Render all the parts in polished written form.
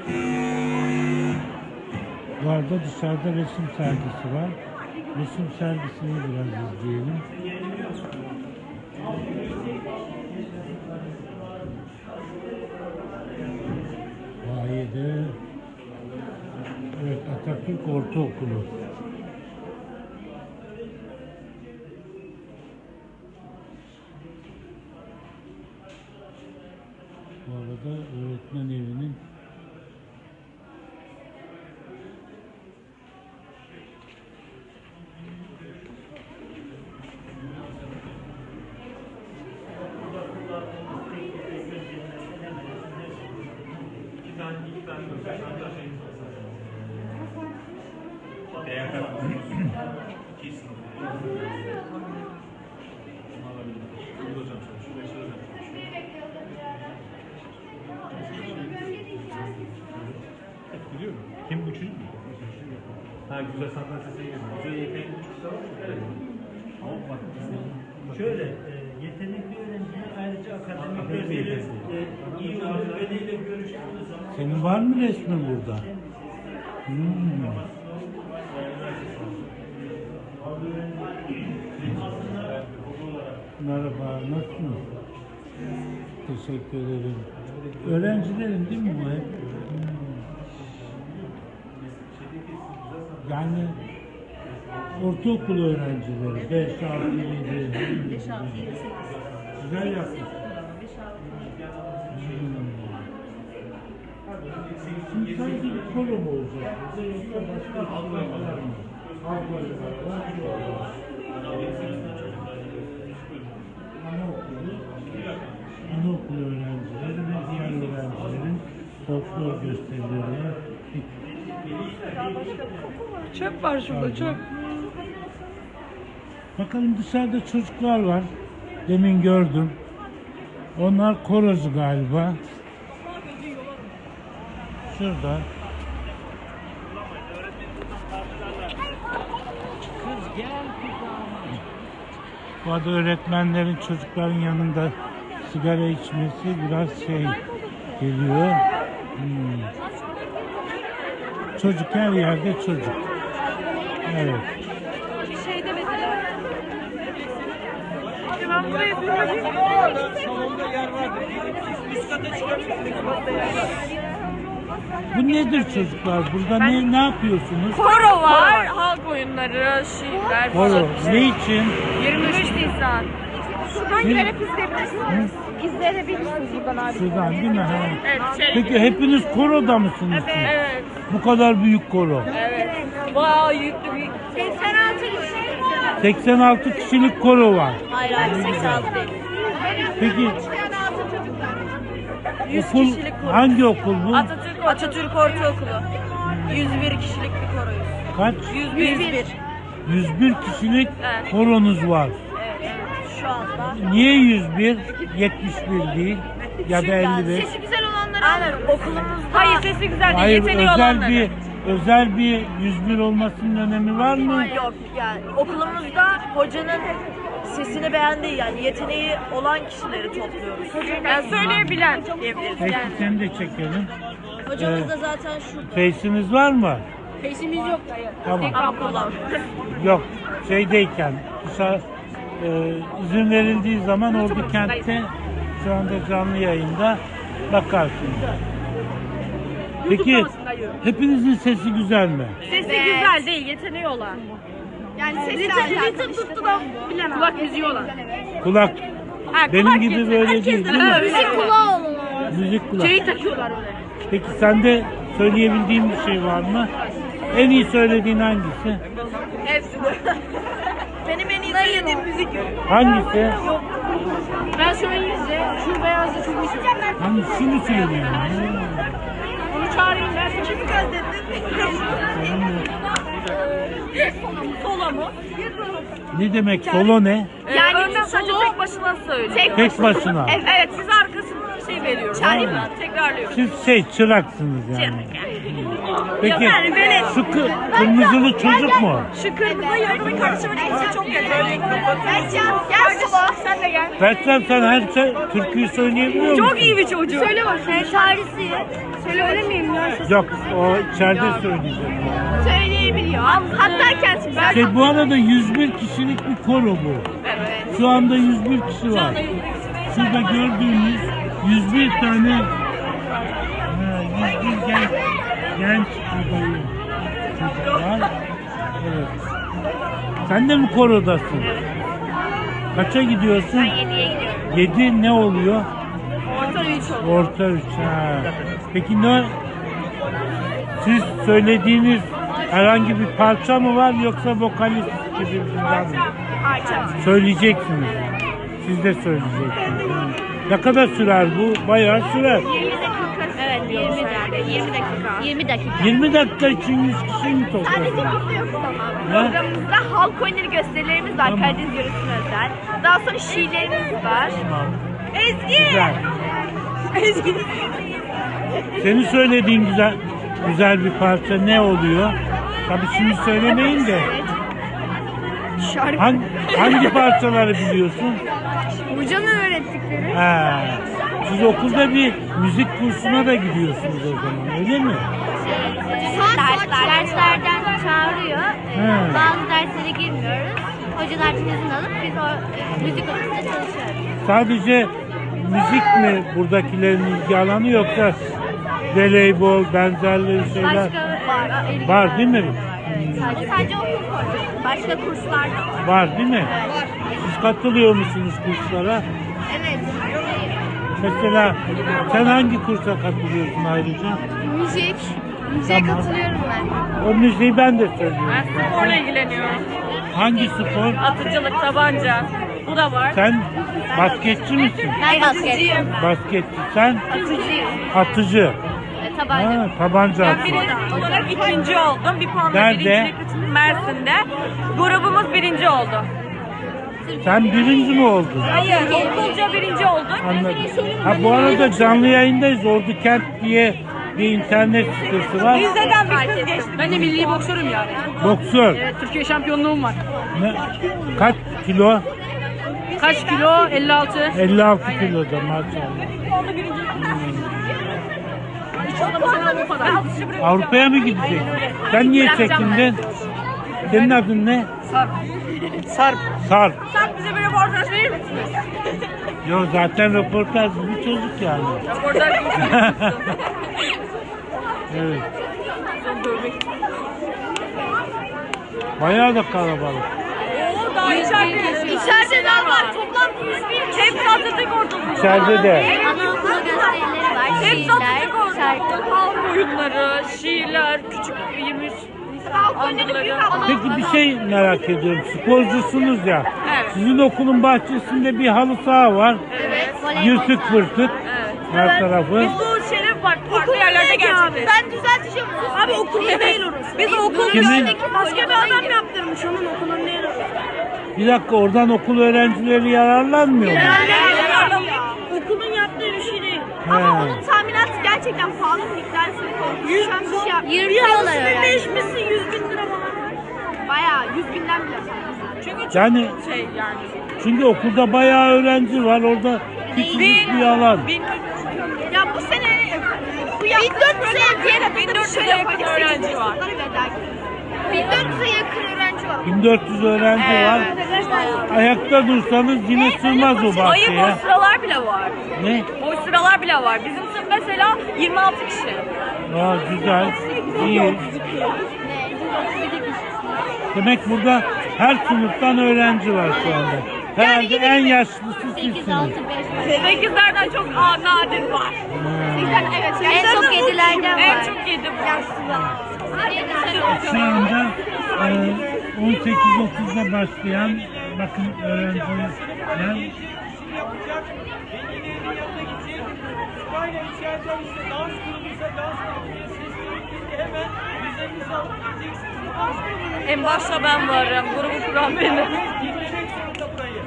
Bu arada dışarıda resim sergisi var. Resim sergisini biraz izleyelim. Vahiye'de evet, Atatürk Ortaokulu. Bu arada öğretmen evinin kim bu çocuk mu? Ha, güzel sanat sesi gibi. Güzel yetenekli çocuklar var mı? Şöyle, yetenekli öğrenciler ayrıca akademik gözüyle iyi öğrenciyle görüştüğünüz zaman... senin var mı resmin burada? Merhaba, nasılsınız? Teşekkür ederim. Öğrencilerin değil mi bu hep? Yani ortaokul öğrencileri 5, 6, 7. 5, 6, 7, 8. Güzel yapmış. 5, 6, 7. Şimdi sadece bir koro mu olacak? Yoksa başka bir var mı? Halkları var. Anaokulu öğrencileri ve diğer öğrencilerin folklor gösterileri. Çöp var şurada, çöp. Bakalım dışarıda çocuklar var. Demin gördüm. Onlar korozu galiba. Şurada. Bu arada öğretmenlerin çocukların yanında sigara içmesi biraz şey geliyor. Çocuk her yerde çocuk. Evet. Şeyde mesela. Ben buraya Salonda yer vardı. Üst kata çıkabilirsiniz. Bu nedir çocuklar? Burada ne yapıyorsunuz? Koro var, halk oyunları, şiirler Koro. falan. Ne için? 23 Nisan. Şuradan girerek izleyebilirsiniz. İzleyebilirsiniz buradan abi. Şuradan değil mi? Ha. Evet, Peki hepiniz koroda mısınız? siz? Evet. Bu kadar büyük koro. Evet. Bayağı yüklü bir... 86 kişi var. 86 kişilik koro var. Hayır hayır, 86 değil. Peki 100 okul kişilik koro. hangi okul bu? Atatürk Ortaokulu. 101 kişilik bir koroyuz. Kaç? 101. 101 kişilik Evet. koronuz var. Evet. Şu anda. Niye 101? 71 değil ya da 55. Sesi güzel olanları Aynen okulumuzda. Hayır sesi güzel değil. Hayır, Yeteneği olanları. özel bir 101 olmasının önemi var mı? Yok yani okulumuzda hocanın sesini beğendiği yani yeteneği olan kişileri topluyoruz. Yani söyleyebilen diyebiliriz Peki yani. seni de çekelim. Hocamız da zaten şu Face'iniz var mı? peşimiz yok hayır. Tamam. Ama kullan. Yok, şeydeyken dışarı izin verildiği zaman orada kentte şu anda canlı yayında bakarsınız. Peki hepinizin sesi güzel mi? Sesi güzel değil, yeteneği olan. Yani sesi Ritim tuttu da bilemem. Kulak müziği olan. Kulak Ha, benim kulak gibi yeteneği. böyle değil, değil mi? müzik kulağı olan. Müzik kulak. Şeyi takıyorlar öyle. Peki sende söyleyebildiğin bir şey var mı? En iyi söylediğin hangisi? Hepsi de. Benim en iyi söylediğim müzik. Hangisi? Ben şu İngilizce, şu beyazı çok iyi söylüyorum. Hangisini söylüyorsun? Onu çağırayım ben. Kimi Solo mu? Ne demek solo ne? Yani önden sadece tek başına söylüyor. Tek başına. Evet, siz arkasına şey veriyoruz. Çağırayım mı? Tekrarlıyorum. Siz çıraksınız yani. Peki Yani böyle- şu kırmızılı çocuk mu? Şu kırmızı yorgunun kardeşimin ikisi çok kötü. Gel sola. Sen de gel. Bertrand sen her türküyü söyleyebiliyor musun? Çok iyi bir çocuk. Söyle bakayım. Çaresi. Söylemeyeyim ya. Yok o içeride söyleyecek. Söyleyebiliyor. Hatta kendisi. Şey, bu arada 101 kişilik bir koro bu. Evet. Şu anda 101 kişi var. Şurada gördüğünüz 101 tane 101 genç adayı çocuklar. Evet. Sen de mi korodasın? Kaça gidiyorsun? 7'ye gidiyorum. 7 ne oluyor? Orta 3 oldu. Orta 3. Peki ne? Siz söylediğiniz herhangi bir parça mı var yoksa vokalist gibi bir şey var mı? Söyleyeceksiniz. Siz de söyleyeceksiniz. Ne kadar sürer bu? Bayağı sürer. 20 dakika. Evet 20 dakika. 20 dakika. 20 dakika. 20 dakika için 100 kişi mi Sadece topladın? burada yok ama. Ne? Programımızda halk oyunları gösterilerimiz var. Tamam. Karadeniz yöresine özel. Daha sonra şiirlerimiz var. Ezgi! Güzel. Senin söylediğin güzel bir parça ne oluyor? Tabii şimdi söylemeyin de. Hangi parçaları biliyorsun? Hocanın öğrettikleri. Ha. Siz okulda bir müzik kursuna da gidiyorsunuz o zaman, öyle mi? Derslerden çağırıyor. He. Bazı derslere girmiyoruz. Hocalar izin alıp biz o müzik okulunda çalışıyoruz. Sadece müzik mi buradakilerin ilgi alanı yoksa voleybol, benzerleri şeyler var değil mi? Sadece okul kursu. Başka kurslar da var. Var değil mi? Siz katılıyor musunuz kurslara? Evet. Mesela sen hangi kursa katılıyorsun ayrıca? Müzik. Müziğe Tamam. katılıyorum ben. O müziği ben de söylüyorum. Ben sporla ilgileniyorum. Hangi spor? Atıcılık, tabanca. Bu da var. Sen basketçi misin? Ben basketçiyim. Basketçi. Sen Atıcıyım. atıcı. Tabanca. Ha, tabanca Ben atıyor. birinci olarak ikinci oldum. Bir puanla Nerede? birincilik için Mersin'de. Grubumuz birinci oldu. Sen birinci mi oldun? Hayır, okulca birinci olduk. Anladım. Ha bu arada canlı yayındayız. Ordu Kent diye bir internet sitesi var. Rize'den bir kız geçti. Ben de milli boksörüm yani. Boksör. Evet, Türkiye şampiyonluğum var. Ne? Kaç kilo? Kaç kilo? 56. 56 kilo da maşallah. Avrupa'ya mı gidecek? Sen niye çekindin? Senin adın ne? Sarp. Sarp. Sarp. Sen bize bir röportaj verir misiniz? Yo zaten röportaj bir çocuk yani. Röportaj Evet. Bayağı da kalabalık. Oo, daha içeride ne var? Toplam 101 hep satıldık orada. İçeride de. Anaokulu gösterileri var. Hep Şiirler, satıldık orada. şarkı. Halk oyunları, şiirler, küçük 23 anıları. Peki bir şey merak ediyorum. Sporcusunuz ya. Evet. Sizin okulun bahçesinde bir halı saha var. Evet. Yırtık pırtık. Her tarafı. Biz bu şeyleri farklı yerlerde gerçekleştirdik. Ben düzelteceğim. Abi okulun değil orası. Biz okulun Kimin? önündeki başka bir adam yaptırmış onun okulun değil orası. Bir dakika oradan okul öğrencileri yararlanmıyor mu? Okulun yaptığı bir şey değil. Ama He. onun tamiratı gerçekten pahalı bir miktar. 100 Yırtıyorlar yani. Değişmişsin 100 bin lira falan. Bayağı 100 binden bile fazla. Çünkü çok Yani şey yani. çünkü okulda bayağı öğrenci var. Orada küçücük bir alan. Ya bu sene bu 1400'e diğer adında 1400'e şöyle yakın öğrenci var. 1400'e yakın öğrenci var. 1400 öğrenci var. Ayakta dursanız yine sığmaz o Hayır bahçeye. boş sıralar bile var. Ne? Boş sıralar bile var. Bizim sınıf mesela 26 kişi. Aa, güzel. İyi. Demek burada her sınıftan öğrenci var şu anda. Herhalde en yaşlısı 8, sizsiniz. 6, 5, 5. 8'lerden çok nadir var. Evet. En çok 7'lerden var. En çok 7 var. Şu anda 18.30'da başlayan bakın öğrenciler Aynen içeride işte dans grubuysa dans grubuysa ses grubuysa hemen üzerinize alıp gideceksiniz. Dans grubuna En başta ben varım. Grubu kuran benim. girmek zorunda burayı.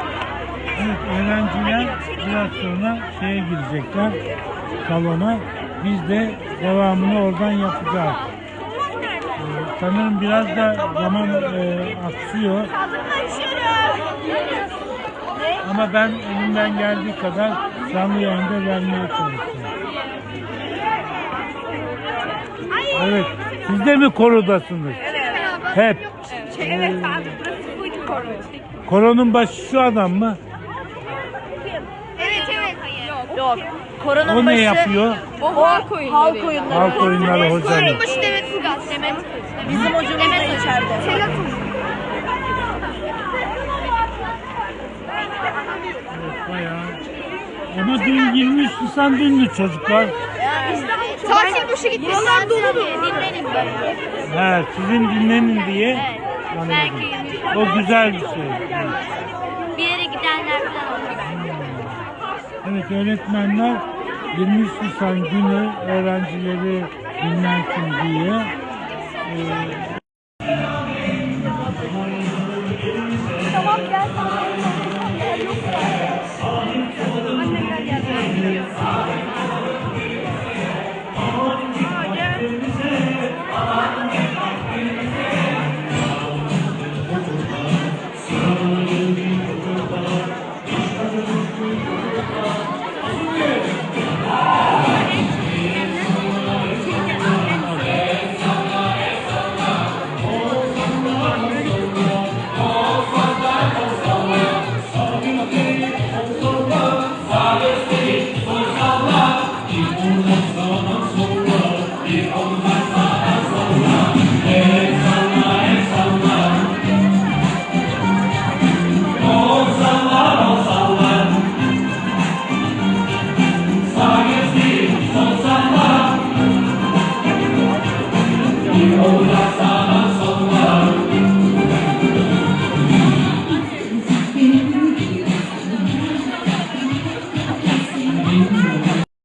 evet, öğrenciler biraz sonra şeye girecekler salona. Biz de devamını oradan yapacağız. Sanırım biraz da zaman aksıyor. Ama ben elimden geldiği kadar canlı yayında vermeye çalışıyorum. Evet. Siz de mi korodasınız? Hep. Evet abi burası buydu koro. Koronun başı şu adam mı? Evet evet. Yok. Koronun O başı. ne yapıyor? O halk oyunları. Halk oyunları hocam. Başı Demet Ilgaz. Demet. Bizim hocamız da içeride. Bayağı. Ama dün 23 Nisan dündü çocuklar. Tatil boşu gitti. Buralar dolu. Dinlenin böyle. He, sizin dinlenin diye. Evet. Anladım. Belki O güzel bir şey. bir yere gidenler falan olur. Evet, öğretmenler 23 Nisan günü öğrencileri dinlensin diye Oh,